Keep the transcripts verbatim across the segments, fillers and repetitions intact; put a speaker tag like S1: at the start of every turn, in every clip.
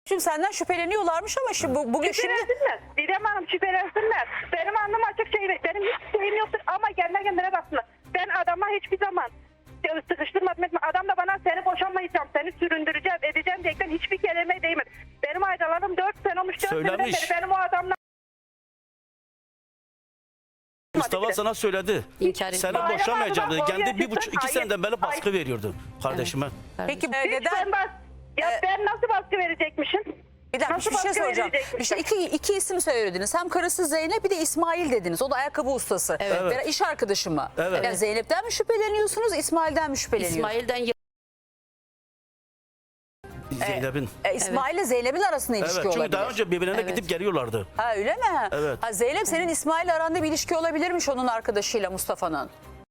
S1: Şimdi senden şüpheleniyorlarmış ama şimdi bu, bugün şimdi...
S2: Şüphelensinler. Didem Hanım şüphelensinler. Benim anlam açık şey, benim hiç şeyim yoktur ama kendine kendine baksınlar. Ben adama hiçbir zaman sıkıştırmadım etme. Adam da bana seni boşanmayacağım, seni süründüreceğim, edeceğim diyerekten hiçbir kelime değmedi. Benim aydalarım dört sene olmuş, dört seneden beri benim o adamla...
S3: Mustafa sana söyledi.
S4: İnkar
S3: Seni
S4: etmiyor.
S3: boşamayacağım dedi.
S2: Bayram
S3: Kendi
S2: abi,
S3: bir buçuk iki
S2: hayır,
S3: seneden beri baskı
S2: hayır.
S3: veriyordu kardeşime.
S1: Peki e,
S2: Hiç
S1: neden?
S2: ben bas... Ya
S1: Ee,
S2: ben nasıl baskı verecekmişim?
S1: Bir dakika
S2: Nasıl
S1: bir şey
S2: baskı
S1: soracağım.
S2: verecekmişim?
S1: İşte iki, iki isim söylediniz. Hem karısı Zeynep bir de İsmail dediniz. O da ayakkabı ustası.
S4: Evet.
S1: Ve iş arkadaşı mı?
S3: Evet.
S1: Yani Zeynep'ten mi şüpheleniyorsunuz, İsmail'den mi şüpheleniyorsunuz?
S4: İsmail'den
S3: Zeynep'in.
S1: E, İsmail ile Zeynep'in arasında ilişki
S3: Evet, çünkü
S1: olabilir.
S3: daha önce birbirine
S4: Evet.
S3: gidip geliyorlardı.
S1: Ha öyle mi?
S3: Evet.
S1: Ha, Zeynep senin İsmail aranda bir ilişki olabilirmiş onun arkadaşıyla Mustafa'nın.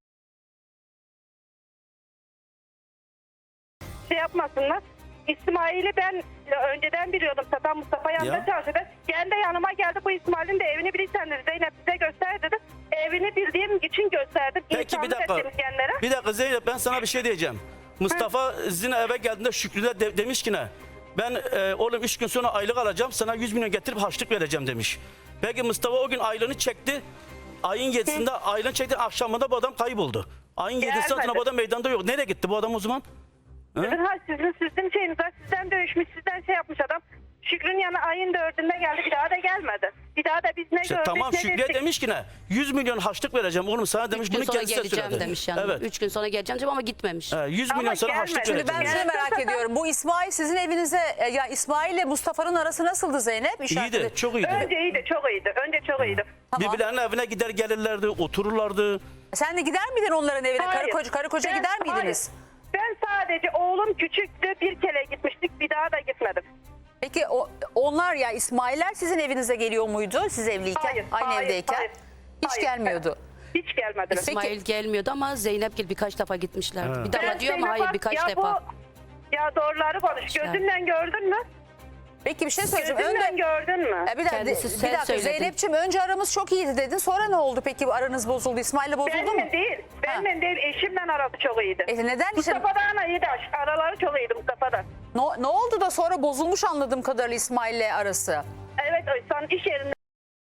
S2: Şey yapmasınlar. İsmail'i ben önceden biliyordum. Zaten Mustafa yanında
S3: Ya.
S2: çalışıyordu. Kendi yanıma geldi, bu İsmail'in de evini bilirsen dedi. Zeynep size göster dedi. Evini bildiğim için gösterdim.
S3: Peki bir
S2: İnsanlık
S3: dakika.
S2: ettim kendilere.
S3: Bir dakika Zeynep, ben sana bir şey diyeceğim. Mustafa Zine eve geldiğinde Şükrü'ne de, demiş ki ne? Ben e, oğlum üç gün sonra aylık alacağım, sana yüz milyon getirip harçlık vereceğim demiş. Peki Mustafa o gün aylığını çekti. Ayın yedisinde aylığını çekti, akşamında bu adam kayboldu. Ayın yedisinde
S2: Gelmedi.
S3: bu adam meydanda yok. Nereye gitti bu adam o zaman?
S2: Sizin, ha, sizin, sizin şeyiniz var. Sizden dövüşmüş, sizden şey yapmış adam. Şükrü'nün yanına ayın dördünde geldi. Bir daha da gelmedi. Bir daha da biz ne
S3: İşte
S2: gördük
S3: tamam,
S2: ne
S3: Şükrü'ye
S2: dedik.
S3: demiş ki ne? yüz milyon harçlık vereceğim oğlum sana demiş.
S4: üç gün
S3: Bunu
S4: sonra
S3: kendisi de
S4: geleceğim
S3: söyledi.
S4: demiş yani.
S3: Evet.
S4: Üç gün sonra geleceğim ama gitmemiş.
S3: He, yüz
S2: Ama
S3: milyon sonra
S2: gelmedi.
S3: harçlık
S2: Şimdi
S3: vereceğim.
S1: Ben
S3: demiş.
S1: şunu merak ediyorum. Bu İsmail sizin evinize, e, ya İsmail ile Mustafa'nın arası nasıldı Zeynep? İş
S3: İyiydi,
S1: arkadaşı-
S3: çok iyiydi.
S2: Önce iyiydi, çok iyiydi. Önce çok iyiydi.
S1: Tamam.
S3: Birbirlerinin evine gider gelirlerdi, otururlardı.
S1: Sen de gider miydin onların evine? Karı
S2: Hayır.
S1: koca, karı koca
S2: Ben-
S1: gider miydiniz?
S2: hayır. Ben sadece oğlum küçüktü, bir kere gitmiştik, bir daha da gitmedim.
S1: Peki o, onlar ya İsmail'ler sizin evinize geliyor muydu siz evliyken?
S2: Hayır,
S1: Aynı
S2: hayır,
S1: evdeyken?
S2: hayır,
S1: Hiç
S2: hayır.
S1: gelmiyordu.
S2: Hiç gelmediler.
S4: İsmail gelmiyordu ama Zeynep Gil birkaç defa gitmişlerdi.
S3: Evet.
S4: Bir defa
S2: Ben
S4: diyor ama
S2: Zeynep
S4: hayır
S2: bak,
S4: birkaç
S2: ya
S4: defa.
S2: Bu, ya doğruları konuş.
S4: İşte.
S2: Gözünden gördün mü?
S1: Peki bir şey söyleyeceğim.
S2: Gözünden
S1: Önce,
S2: gördün mü?
S1: E, bir dakika,
S4: Kendisi
S1: bir
S4: sen
S1: dakika
S4: söyledin.
S1: Zeynep'ciğim önce aramız çok iyiydi dedin. Sonra ne oldu peki bu aranız bozuldu? İsmail'le bozuldu mu?
S2: Benimle değil. Benimle değil. Eşimle arası çok iyiydi.
S1: E, neden işte
S2: Mustafa'dan iyiydi. Araları çok iyiydi Mustafa'dan.
S1: ne, ne oldu da sonra bozulmuş anladığım kadarıyla İsmail'le arası?
S2: Evet, o son iş yerinde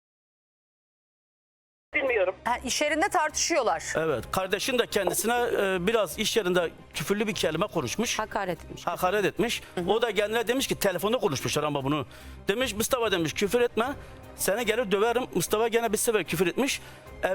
S2: bilmiyorum.
S1: Ha, iş yerinde tartışıyorlar.
S3: Evet, kardeşin de kendisine e, biraz iş yerinde küfürlü bir kelime konuşmuş.
S4: Hakaret etmiş.
S3: Hakaret etmiş. O da kendine demiş ki telefonda konuşmuşlar ama bunu. Demiş Mustafa demiş küfür etme. Seni gelir döverim. Mustafa gene bir sefer küfür etmiş. Ev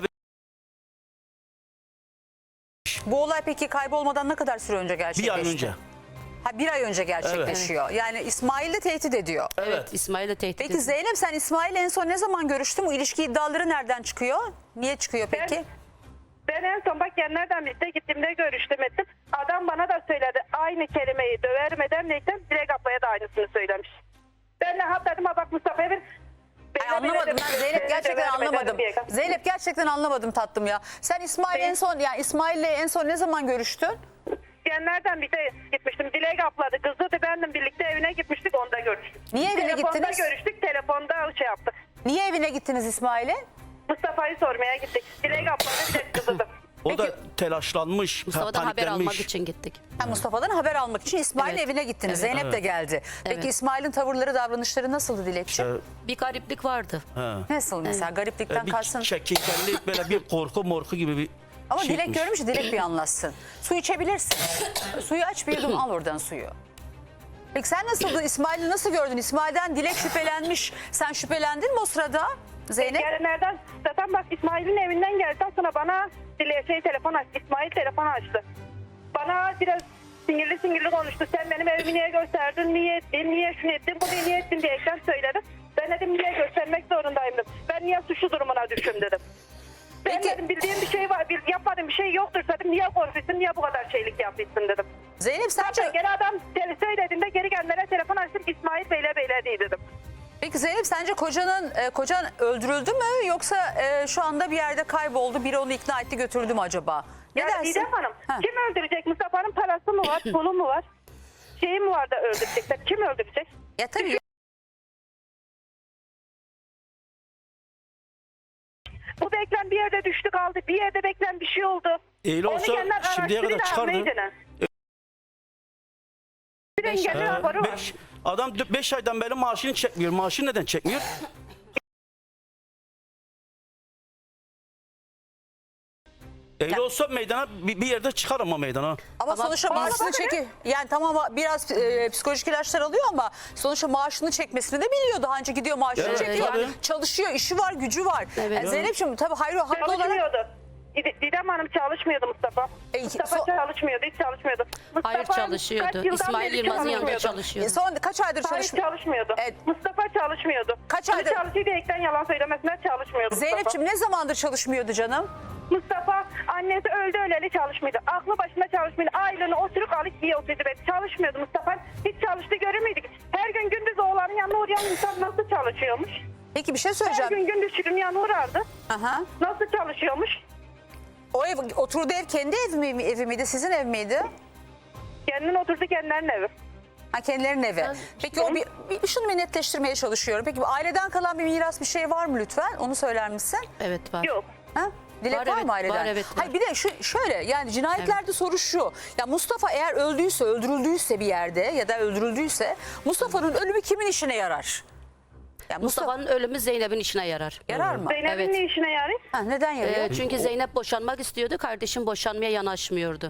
S1: Bu olay peki kaybolmadan ne kadar süre önce
S3: bir
S1: gerçekleşti?
S3: ay önce.
S1: Ha, bir ay önce gerçekleşiyor. Yani İsmail de tehdit ediyor.
S4: Evet,
S3: Evet.
S4: İsmail de tehdit
S1: Peki
S4: ediyor.
S1: Zeynep sen İsmail'le en son ne zaman görüştün? Bu ilişki iddiaları nereden çıkıyor? Niye çıkıyor peki?
S2: Ben en son bak yerlerden birlikte gittiğimde görüştüm ettim. Adam bana da söyledi. Aynı kelimeyi dövermeden neyden Dilek ablaya da aynısını söylemiş. Ben de ha dedim ha bak Mustafa'ya bir...
S1: Ay, anlamadım ben Zeynep gerçekten anlamadım. Zeynep gerçekten anlamadım tatlım ya. Sen İsmail en son yani İsmail'le en son ne zaman görüştün?
S2: Genlerden bir de gitmiştim. Dilek abladı. Kızı da benimle birlikte evine gitmiştik. Onda görüştük.
S1: Niye evine
S2: telefonda
S1: gittiniz?
S2: görüştük. Telefonda şey yaptık.
S1: Niye evine gittiniz İsmail'e?
S2: Mustafa'yı sormaya gittik. Dilek abladı bir de kızıdı.
S3: O
S1: Peki-
S3: da telaşlanmış,
S4: Mustafa'dan haber
S3: paniklenmiş.
S4: almak için gittik.
S1: Ha, Mustafa'dan haber almak için İsmail'in
S4: Evet.
S1: evine gittiniz.
S4: Evet.
S1: Zeynep de geldi. Peki
S4: Evet.
S1: İsmail'in tavırları, davranışları nasıldı Dilekçim?
S3: Ee,
S4: Bir gariplik vardı.
S3: he.
S1: Nasıl mesela? Gariplikten
S3: bir
S1: kalsın.
S3: çekingenlik, böyle bir korku morku gibi bir
S1: Ama
S3: şey
S1: Dilek
S3: etmiş.
S1: görmüş, Dilek bir anlatsın. Su içebilirsin. Suyu aç bir yudum al oradan suyu. Peki sen nasıldın? İsmail'i nasıl gördün? İsmail'den Dilek şüphelenmiş. Sen şüphelendin mi o sırada Zeynep?
S2: Gelenlerden zaten bak İsmail'in evinden geldikten sonra bana Dilek şey telefon açtı. İsmail telefon açtı. Bana biraz sinirli sinirli konuştu. Sen benim evimi niye gösterdin? Niye ettin? Niye şunu ettin? Bunu niye ettin diyerekten söyledim. Ben dedim niye göstermek zorundayım dedim. Ben niye suçlu durumuna düştüm dedim. Ben
S1: Peki-
S2: dedim bildiğim bir şey var, bir, yapmadığım bir şey yoktur dedim. Niye korkuyorsun, niye bu kadar şeylik yapıyorsun dedim.
S1: Zeynep sence...
S2: Geri adam tele- söylediğinde geri kendine telefon açtım. İsmail Bey'le Bey'le değil dedim.
S1: Peki Zeynep sence kocanın e, kocan öldürüldü mü yoksa e, şu anda bir yerde kayboldu, biri onu ikna etti götürdü mü acaba? Ne
S2: Ya
S1: dersin?
S2: Didem Hanım,
S1: Ha.
S2: kim öldürecek? Mustafa'nın parası mı var, pulu mu var? Şeyi mi var da öldürecekler? Kim öldürecek?
S1: Ya tabii.
S2: Bu beklen bir yerde düştü kaldı. Bir yerde beklen bir şey oldu.
S3: Eğil
S2: Onu
S3: olsa
S2: kendiler
S3: şimdiye kadar
S2: araştırın
S3: çıkardı.
S2: abi, neydi ne? Bir
S4: Beş-
S2: engelli
S3: Ee,
S2: raporu var.
S3: beş, Adam beş aydan beri maaşını çekmiyor. Maaşını neden çekmiyor? Öyle olsa meydana bir, bir yerde çıkar ama meydana.
S1: Ama,
S4: Ama
S1: sonuçta
S2: bana
S1: maaşını
S2: bakın.
S1: çeki yani tamam biraz e, psikolojik ilaçlar alıyor ama sonuçta maaşını çekmesini de biliyor. Daha önce gidiyor maaşını
S3: Evet,
S1: çekiyor.
S3: tabii.
S1: Çalışıyor, işi var, gücü var.
S4: Evet.
S1: Yani Zeynep'ciğim tabii hayır haklı olarak.
S2: Çalışmıyordu. Did- Didem Hanım çalışmıyordu Mustafa.
S1: E,
S2: Mustafa
S1: so-
S2: çalışmıyordu, hiç çalışmıyordu. Mustafa
S4: Hayır çalışıyordu.
S2: kaç yıldan
S4: İsmail
S2: beri
S4: Yılmaz'ın yanında
S1: E,
S4: çalışıyordu.
S1: son kaç aydır
S2: Hayır
S1: çalışmıyor?
S2: çalışmıyordu.
S1: Evet.
S2: Mustafa çalışmıyordu.
S1: Kaç
S2: Bunu
S1: aydır-
S2: çalışıyor diyerekten yalan söylemesine çalışmıyordu Mustafa.
S1: Zeynep'ciğim ne zamandır çalışmıyordu canım?
S2: Mustafa annesi öldü öleli çalışmıyordu. Aklı başında çalışmıyordu. Aylığını oturup alıp yiyor oturdu. Çalışmıyordu Mustafa. Hiç çalıştı göremiyorduk. Her gün gündüz oğlanın yanına uğrayan insan nasıl çalışıyormuş?
S1: Peki bir şey
S2: Her
S1: söyleyeceğim.
S2: gün gündüz Şükrü'nün yanına uğrardı.
S1: Aha.
S2: Nasıl çalışıyormuş?
S1: O ev, oturduğu ev kendi ev, mi, evi miydi, sizin ev miydi?
S2: Kendinin oturdu kendilerinin evi.
S1: Ha, kendilerinin evi. Peki o bir, bir şunu bir netleştirmeye çalışıyorum. Peki aileden kalan bir miras bir şey var mı lütfen? Onu söyler misin?
S4: Evet var.
S2: Yok.
S1: Ha? Dilek
S4: Var,
S1: var,
S4: evet,
S1: mı aileden?
S4: var, evet, var.
S1: Hayır bir de şu şöyle yani cinayetlerde soru şu. Ya Mustafa eğer öldüyse, öldürüldüyse bir yerde ya da öldürüldüyse Mustafa'nın ölümü kimin işine yarar? Ya Mustafa
S4: Mustafa'nın ölümü Zeynep'in işine yarar.
S1: yarar mı?
S2: Zeynep'in
S4: Evet.
S2: ne işine yarıyor?
S1: Ha, neden yarıyor?
S4: Ee, çünkü Zeynep boşanmak istiyordu. Kardeşim boşanmaya yanaşmıyordu.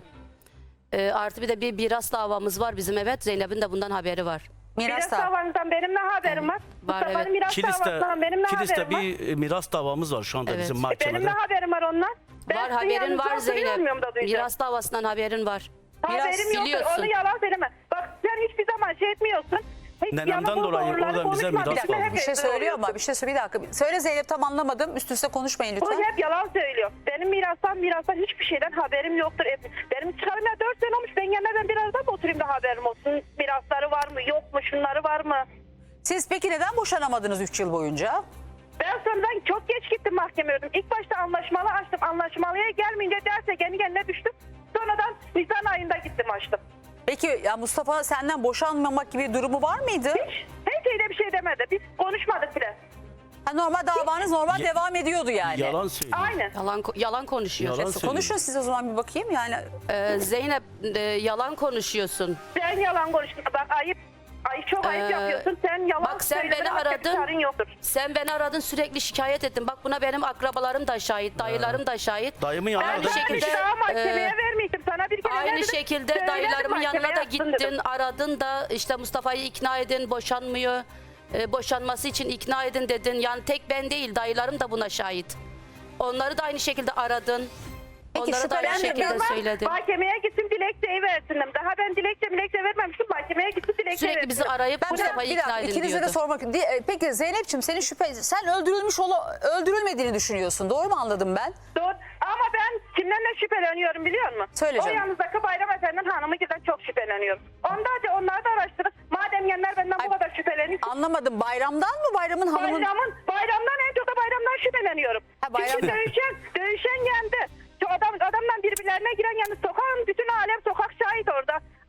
S4: Ee, artı bir de bir miras davamız var bizim, evet. Zeynep'in de bundan haberi var.
S1: Miras
S2: Miras
S1: da.
S2: davanızdan benim ne haberim var?
S4: Var,
S2: Mustafa'nın
S4: evet.
S2: miras
S3: Kilis'te,
S2: davasından benim ne
S3: Kilis'te
S2: haberim var?
S3: bir e, miras davamız var şu anda
S4: Evet.
S3: bizim
S2: Benim
S3: mahkemede.
S2: ne haberim var ondan? Ben
S4: Var,
S2: sizin
S4: haberin
S2: yanınızda
S4: var
S2: oturuyor
S4: Zeynep.
S2: muyum da duyacağım?
S4: Miras davasından haberin var.
S1: Miras
S2: Haberim yoktur.
S4: biliyorsun.
S2: Onu yalan söyleme. Bak sen hiçbir zaman şey etmiyorsun. Hiç
S3: Nenemden
S2: yalan
S3: dolayı
S2: doğruları
S3: oradan bize
S2: konuşma.
S3: miras
S2: Bir dakika,
S3: kalmış.
S2: hep
S1: Bir şey
S2: rezil
S1: söylüyor
S2: oluyorsun.
S1: ama bir şey söyle bir dakika. Söyle Zeynep tam anlamadım. Üst üste konuşmayın
S2: Bu
S1: lütfen.
S2: hep yalan söylüyor. Benim mirastan mirastan hiçbir şeyden haberim yoktur. E, Benim çıkarım ya dört sene olmuş. Ben gelmeden biraz daha mı oturayım da haberim olsun? Mirasları var mı yok mu şunları var mı?
S1: Siz peki neden boşanamadınız üç yıl boyunca?
S2: Ben sonradan çok geç gittim mahkemeye. İlk başta anlaşmalı açtım. Anlaşmalıya gelmeyince derse kendi kendine düştüm. Sonradan Nisan ayında gittim açtım.
S1: Peki ya Mustafa senden boşanmamak gibi bir durumu var mıydı?
S2: Hiç, hiç öyle bir şey demedi. Biz konuşmadık bile.
S1: Ha, normal davanız normal
S3: Ya-
S1: devam ediyordu yani.
S3: Yalan söylüyor.
S2: Aynen.
S4: Yalan ko- yalan konuşuyor.
S3: Yalan söylüyor.
S1: Konuşun siz o zaman bir bakayım yani.
S4: Ee, Zeynep e, yalan konuşuyorsun.
S2: Sen yalan konuştun. Bak ayıp. Ay çok ayıp
S4: Ee,
S2: yapıyorsun. Sen yalan
S4: bak sen
S2: söyledin,
S4: beni
S2: başka bir
S4: aradın.
S2: çaren yoktur.
S4: Sen beni aradın, sürekli şikayet ettin. Bak buna benim akrabalarım da şahit, dayılarım da şahit.
S3: Dayımın yanına
S2: Ben
S4: Aynı
S3: da
S2: şekilde,
S4: şekilde,
S2: daha mahkemeye
S4: e,
S2: vermeydim. Sana bir kere ne
S4: Aynı
S2: dedim?
S4: şekilde
S2: Söyledim,
S4: dayılarımın yanına
S2: mahkemeye
S4: da
S2: yatsın
S4: gittin,
S2: dedim.
S4: aradın da işte Mustafa'yı ikna edin, boşanmıyor. Ee, boşanması için ikna edin dedin. Yani tek ben değil, dayılarım da buna şahit. Onları da aynı şekilde aradın.
S1: Peki,
S4: Onları da aynı
S1: şüphelendim
S4: şekilde
S1: ben.
S4: söyledin.
S2: Mahkemeye gittim dilekçeyi versindim. Daha ben dilekçe dilekçe vermemiştim. Mahkemeye gittim dilekçe
S4: Sürekli bizi arayıp
S1: Ben bir,
S4: Mustafa'yı
S1: bir
S4: ikna
S1: dakika
S4: edin
S1: ikinize de
S4: diyordu.
S1: sormak. Di- e, Peki Zeynep'ciğim senin şüphe sen öldürülmüş ola, öldürülmediğini düşünüyorsun. Doğru mu anladım ben?
S2: Doğru. Ama ben kimden ne şüpheleniyorum biliyor musun?
S1: Söyle
S2: O
S1: canım.
S2: yanınızdaki Bayram Efendi'nin hanımı giden çok şüpheleniyorum. Ondan da onları da araştırın. Madem genler benden
S1: Ay,
S2: bu kadar şüpheleniyor.
S1: Anlamadım. Bayramdan mı? Bayramın hanımın?
S2: Bayramın, bayramdan en çok da bayramdan şüpheleniyorum.
S1: Ha, bayram-
S2: Çünkü dövüşen, dövüşen yendi. Şu adam, adamdan birbirlerine giren yani sokağın bütün alem sokak şahit orada.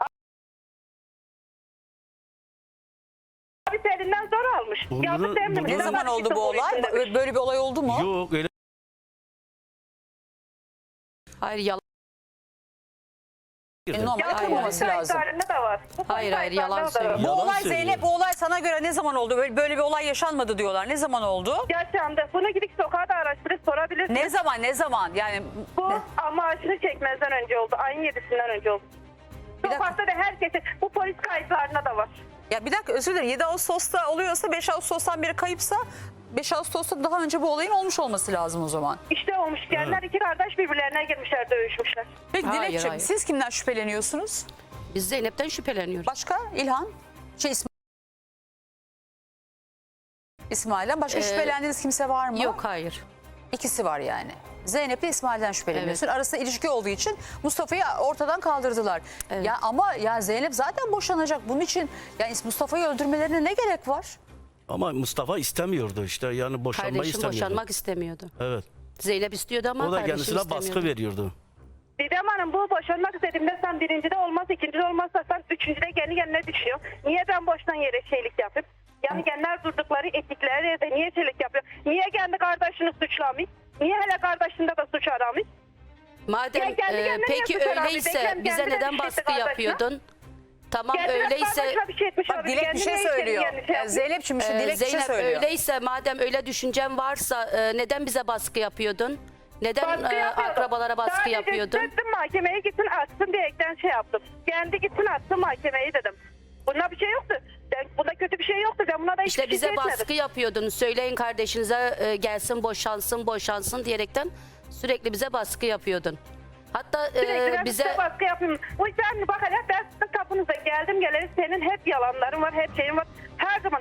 S2: Abi elinden zor almış.
S3: Bunu-
S2: Yazık değil mi?
S3: bunu-
S1: Ne
S2: Neden
S1: zaman
S2: ben
S1: oldu
S2: çıktım
S1: bu
S2: polise
S1: olay?
S2: demiş.
S1: Böyle bir olay oldu mu?
S3: Yok öyle
S4: Hayır yalan.
S1: E, normal
S2: Ya,
S1: kırmaması
S2: polis
S1: lazım.
S2: kayıtlarında da var. Bu
S4: Hayır,
S2: polis
S4: hayır, yalan
S2: kayıtlarında da var.
S4: söylüyor.
S1: Bu
S3: Yalan
S1: olay
S3: söylüyor.
S1: Zeynep bu olay sana göre ne zaman oldu? Böyle, böyle bir olay yaşanmadı diyorlar. Ne zaman oldu?
S2: Yaşandı. Bunu gidip sokağa da araştırıp sorabilirsiniz.
S1: Ne zaman ne zaman? Yani
S2: Bu
S1: ne-
S2: maaşını çekmezden önce oldu. Ayın yedisinden önce oldu.
S1: Bir dakika.
S2: Sokakta da herkese bu polis kayıtlarında da var.
S1: ya bir dakika özür dilerim. yedi Ağustos'ta oluyorsa beş Ağustos'tan beri kayıpsa beş Ağustos'ta daha önce bu olayın olmuş olması lazım o zaman.
S2: İşte olmuş. Gençler iki kardeş birbirlerine girmişler, dövüşmüşler.
S1: Peki
S4: Hayır,
S1: Dilekçim
S4: hayır.
S1: siz kimden şüpheleniyorsunuz?
S4: Biz Zeynep'ten şüpheleniyoruz.
S1: Başka İlhan? Şey İsmail. İsmail'den başka
S4: Ee,
S1: şüphelendiğiniz kimse var mı?
S4: Yok, hayır.
S1: İkisi var yani. Zeynep ile İsmail'den şüpheleniyorsun. Arasında ilişki olduğu için Mustafa'yı ortadan kaldırdılar.
S4: Evet.
S1: Ya ama ya Zeynep zaten boşanacak. Bunun için yani Mustafa'yı öldürmelerine ne gerek var?
S3: ama Mustafa istemiyordu işte yani boşanmayı
S4: Kardeşim
S3: istemiyordu.
S4: boşanmak istemiyordu.
S3: Evet.
S4: Zeynep istiyordu ama
S3: O da
S4: kardeşim
S3: kendisine
S4: istemiyordu.
S3: baskı veriyordu.
S2: Didem Hanım bu boşanmak istediğimde sen birincide olmaz, ikincide olmazsa sen üçüncüde kendi kendine düşüyor. Niye ben boştan yere şeylik yapayım? Yani genler durdukları ettikleri yerde niye şeylik yapıyor? Niye kendi kardeşini suçlamıyor? Niye hele kardeşinde de suç aramıyor?
S4: Madem
S2: Ya kendi
S4: e,
S2: kendine
S4: peki
S2: yapıyor abi.
S4: öyleyse
S2: Beklen
S4: bize
S2: kendine
S4: neden
S2: düştü
S4: baskı
S2: kardeşine.
S4: yapıyordun? Tamam
S2: Kendine
S4: öyleyse
S2: başka bir şey etmiş
S1: Bak
S2: olabilir.
S1: Dilek bir
S2: Kendine
S1: şey
S2: istediği
S1: söylüyor.
S2: yani şey
S1: Ee,
S2: yapmış.
S1: Zeynep'ciğim şimdi
S4: Ee,
S1: Dilek bir şey
S4: Zeynep
S1: söylüyor.
S4: öyleyse madem öyle düşüncen varsa e, neden bize baskı yapıyordun? Neden
S2: Baskı
S4: e,
S2: yapıyordum.
S4: akrabalara baskı
S2: Sadece
S4: yapıyordun?
S2: gittim mahkemeye gitsin atsın diyerekten şey yaptım. Kendi gitsin atsın mahkemeyi dedim. Bunda bir şey yoktu. Ben, bunda kötü bir şey yoktu. Ben buna da hiçbir
S4: İşte
S2: şey
S4: bize
S2: etmedim.
S4: baskı yapıyordun. Söyleyin kardeşinize e, gelsin boşansın boşansın diyerekten sürekli bize baskı yapıyordun. Hatta e,
S2: Sürekli ben
S4: bize
S2: size baskı yapıyorum. O yüzden bak hele ben sizin kapınıza geldim geleli senin hep yalanların var, hep şeyin var. Her zaman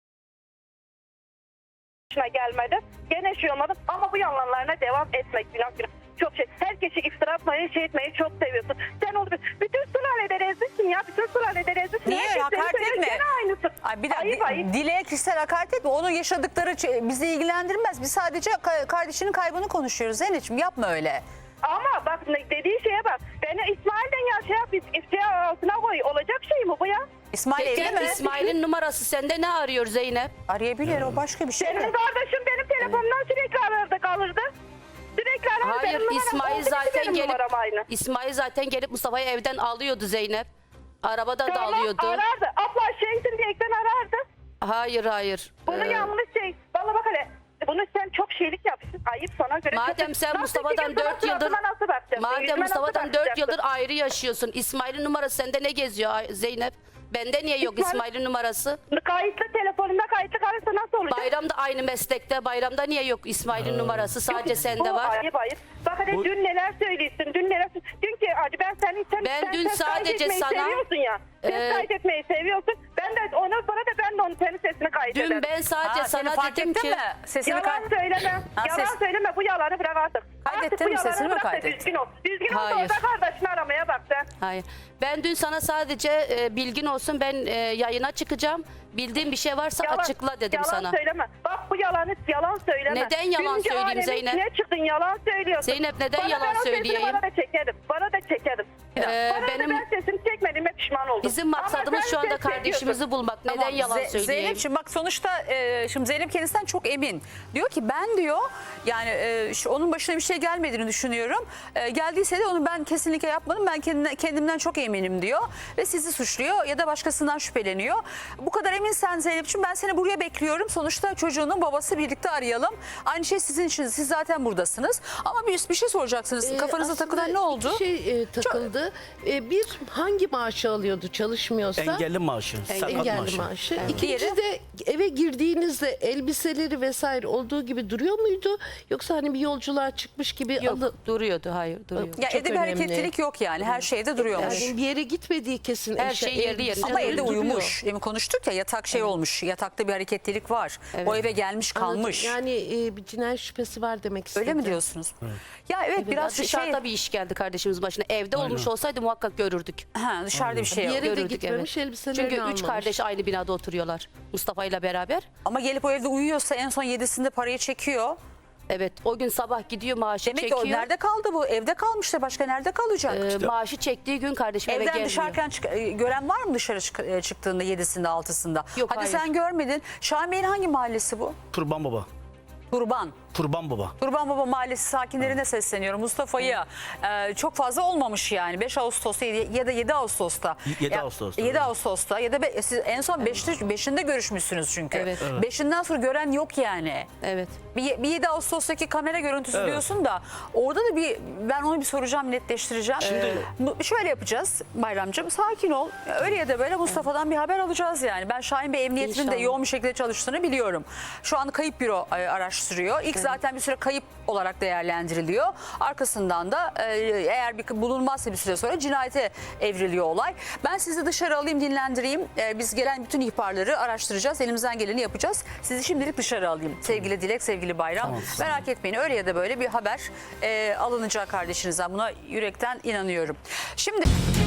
S2: başına gelmedi. Gene şey olmadı ama bu yalanlarına devam etmek günah günah. Çok şey. Herkesi iftira atmayı, şey etmeyi çok seviyorsun. Sen oldu. Bütün sülalede rezilsin ya. Bütün sülalede rezilsin.
S1: Niye?
S2: Herkes seni
S1: Hakaret
S2: seviyor,
S1: etme.
S2: Gene aynısın.
S1: Ay bir dakika,
S2: Ayıp ayıp.
S1: Dilek'e kişisel hakaret etme. Onun yaşadıkları ç- bizi ilgilendirmez. Biz sadece ka- kardeşinin kaybını konuşuyoruz. Zeynep'ciğim yapma öyle.
S2: Ama bak ne- dediği şeye bak. Beni İsmail'den ya şey yap, iftira altına koy. Olacak şey mi bu ya?
S1: İsmail evli
S4: Peki
S1: mi?
S4: İsmail'in numarası sende ne arıyor Zeynep?
S1: Arayabilir, o başka bir şey.
S2: Benim kardeşim benim telefonumdan sürekli arardı kalırdı. Sürekli arardı.
S4: Hayır
S2: Benim numaram
S4: İsmail
S2: oldu ki
S4: zaten
S2: benim
S4: gelip
S2: numaram aynı.
S4: İsmail zaten gelip Mustafa'yı evden alıyordu Zeynep. Arabada da
S2: Tamam,
S4: alıyordu.
S2: arardı. Abla şeysin diyerekten arardı.
S4: Hayır hayır.
S2: Bunu
S4: Ee,
S2: yanlış şey. Valla bak hele. Bunu sen çok şeylik yapmışsın. Ayıp sana göre.
S4: Madem
S2: çok...
S4: sen
S2: Nasıl
S4: Mustafa'dan
S2: ki kızın
S4: dört yıldır
S2: suratına nasıl bakacaksın?
S4: madem
S2: Yüzüme nasıl
S4: Mustafa'dan dört
S2: bakacaksın?
S4: yıldır ayrı yaşıyorsun. İsmail'in numarası sende ne geziyor Ay- Zeynep? Bende niye yok
S2: İsmail-
S4: İsmail'in numarası?
S2: Kayıtlı telefonunda kayıtlı kalırsa nasıl olacak?
S4: Bayramda aynı meslekte. Bayramda niye yok İsmail'in numarası? Sadece
S2: Yok,
S4: sende
S2: bu
S4: var.
S2: Ayıp ayıp. Bak hadi
S3: Bu-
S2: dün neler söylüyorsun, dün neler Dün ki acı ben seni sen,
S4: Ben
S2: sen
S4: dün
S2: ses
S4: sadece
S2: kaydetmeyi
S4: sana-
S2: seviyorsun ya. Ses
S4: Ee,
S2: kaydetmeyi seviyorsun. Ben de onu bana da ben de onun senin sesini kaydederim.
S4: Dün ben sadece
S1: Ha, seni
S4: sana
S1: fark
S4: dedim
S1: ettin
S4: ki
S1: mi? Sesini
S2: Yalan
S1: kay-
S2: söyleme.
S1: Ha,
S2: Yalan
S1: ses-
S2: söyleme. Bu yalanı bırak artık.
S1: Kaydettin
S2: Artık bu
S1: mi?
S2: yalanı
S1: Sesini mi
S2: bırak da
S1: kaydettin?
S2: Düzgün ol. Düzgün ol da
S4: Hayır.
S2: orada kardeşini aramaya bak sen.
S4: hayır. Ben dün sana sadece e, bilgin olsun ben e, yayına çıkacağım. Bildiğin bir şey varsa
S2: Yalan-
S4: açıkla dedim
S2: yalan
S4: sana.
S2: söyleme. Bak bu yalanı yalan söyleme.
S4: Neden yalan
S2: Birinci
S4: söyleyeyim
S2: alemin
S4: Zeynep?
S2: içine çıktın yalan söylüyorsun.
S4: Zeynep, neden
S2: Bana
S4: yalan
S2: ben o sesini
S4: söyleyeyim?
S2: Bana da çekerim. Bana da çekerim.
S4: Ee,
S2: Bana
S4: benim-
S2: da ben sesini çekmediğime pişman oldum.
S4: Bizim
S2: Ama
S4: maksadımız
S2: sen
S4: şu anda
S2: ses çekiyorsun.
S4: kardeşimizi bulmak. Neden
S1: Tamam,
S4: yalan
S1: Ze-
S4: söyleyeyim?
S1: Zeynep'ciğim bak sonuçta e, şimdi Zeynep kendisinden çok emin. Diyor ki ben diyor yani e, şu, onun başına bir şey gelmediğini düşünüyorum. E, geldiyse de onu ben kesinlikle yapmadım. Ben kendine, kendimden çok eminim diyor. Ve sizi suçluyor ya da başkasından şüpheleniyor. Bu kadar eminsen Zeynep'ciğim ben seni buraya bekliyorum. Sonuçta çocuğunun babası birlikte arayalım. Aynı şey sizin için. Siz zaten buradasınız. Ama bir, bir şey soracaksınız.
S5: Ee,
S1: Kafanıza
S5: aslında
S1: takılan ne oldu?
S5: iki şey e, takıldı. Ee, bir hangi maaşı alıyordu çalışmıyorsa?
S3: Engelli maaşı, sakat
S5: Engelli
S3: maaşı.
S5: maaşı.
S1: Diğeri?
S5: İkinci de eve girdiğinizde elbiseleri vesaire olduğu gibi duruyor muydu? Yoksa hani bir yolculuğa çıkmış gibi
S4: Yok
S5: alı...
S4: duruyordu hayır duruyor.
S1: Ya
S5: çok
S1: evde bir
S5: önemli.
S1: hareketlilik yok yani. Her şeyde duruyormuş.
S5: Yani bir yere gitmediği kesin.
S4: Her
S5: eşya-
S4: şey yerli
S5: elbise
S4: yerinde.
S1: Ama evde
S5: duruyor.
S1: uyumuş. Demin konuştuk ya yatak şey olmuş. Yatakta bir hareketlilik var. O eve gelmiş
S5: Anladım.
S1: kalmış.
S5: Yani e, bir cinayet şüphesi var demek istedim.
S1: Öyle mi diyorsunuz? Ya evet
S4: Biraz
S1: biraz
S4: dışarıda
S1: şey
S4: bir iş geldi kardeşimiz başına. Evde olmuş olsaydı muhakkak görürdük.
S1: ha, dışarıda bir şey
S5: Bir
S1: yok.
S5: yere de
S4: Görürdük,
S5: gitmemiş,
S4: evet.
S5: elbiselerini
S4: Çünkü
S5: almamış.
S4: üç kardeş aynı binada oturuyorlar. Mustafa ile beraber.
S1: Ama gelip o evde uyuyorsa en son yedisinde parayı çekiyor.
S4: Evet o gün sabah gidiyor maaşı
S1: Demek
S4: çekiyor.
S1: ki o nerede kaldı bu? Evde kalmıştı. Başka nerede kalacak?
S4: Ee, maaşı çektiği gün kardeşim eve
S1: Evden
S4: gelmiyor.
S1: dışarıken çık- e, gören var mı dışarı çık- e, çıktığında yedisinde altısında?
S4: Yok,
S1: Hadi
S4: hayır.
S1: sen görmedin. Şahin Bey'in hangi mahallesi bu?
S3: Kurban baba.
S1: Kurban.
S3: Kurban baba.
S1: Kurban Baba Mahallesi sakinlerine sesleniyorum. Mustafa'yı e, çok fazla olmamış yani. beş Ağustos'ta ya da yedi Ağustos'ta.
S3: yedi
S1: Ya-
S3: Ağustos'ta,
S1: yedi
S3: evet.
S1: Ağustos'ta ya da be- siz en son beşte, beşinde görüşmüşsünüz çünkü.
S4: Evet. Evet.
S1: beşinden sonra gören yok yani.
S4: Evet.
S1: Bir, bir yedi Ağustos'taki kamera görüntüsü
S3: Evet.
S1: diyorsun da orada da bir ben onu bir soracağım, netleştireceğim.
S3: Şimdi-
S1: Bu- şöyle yapacağız Bayramcığım, sakin ol. Öyle ya da böyle Mustafa'dan bir haber alacağız yani. Ben Şahin Bey emniyetinin de
S4: İnşallah.
S1: yoğun bir şekilde çalıştığını biliyorum. Şu an kayıp büro e, araştırıyor. İlk zaten bir süre kayıp olarak değerlendiriliyor. Arkasından da e, eğer bir bulunmazsa bir süre sonra cinayete evriliyor olay. Ben sizi dışarı alayım, dinlendireyim. E, biz gelen bütün ihbarları araştıracağız. Elimizden geleni yapacağız. Sizi şimdilik dışarı alayım. Sevgili Dilek, sevgili Bayram.
S3: Tamam.
S1: Merak etmeyin, öyle ya da böyle bir haber e, alınacak kardeşinizden. Buna yürekten inanıyorum. Şimdi...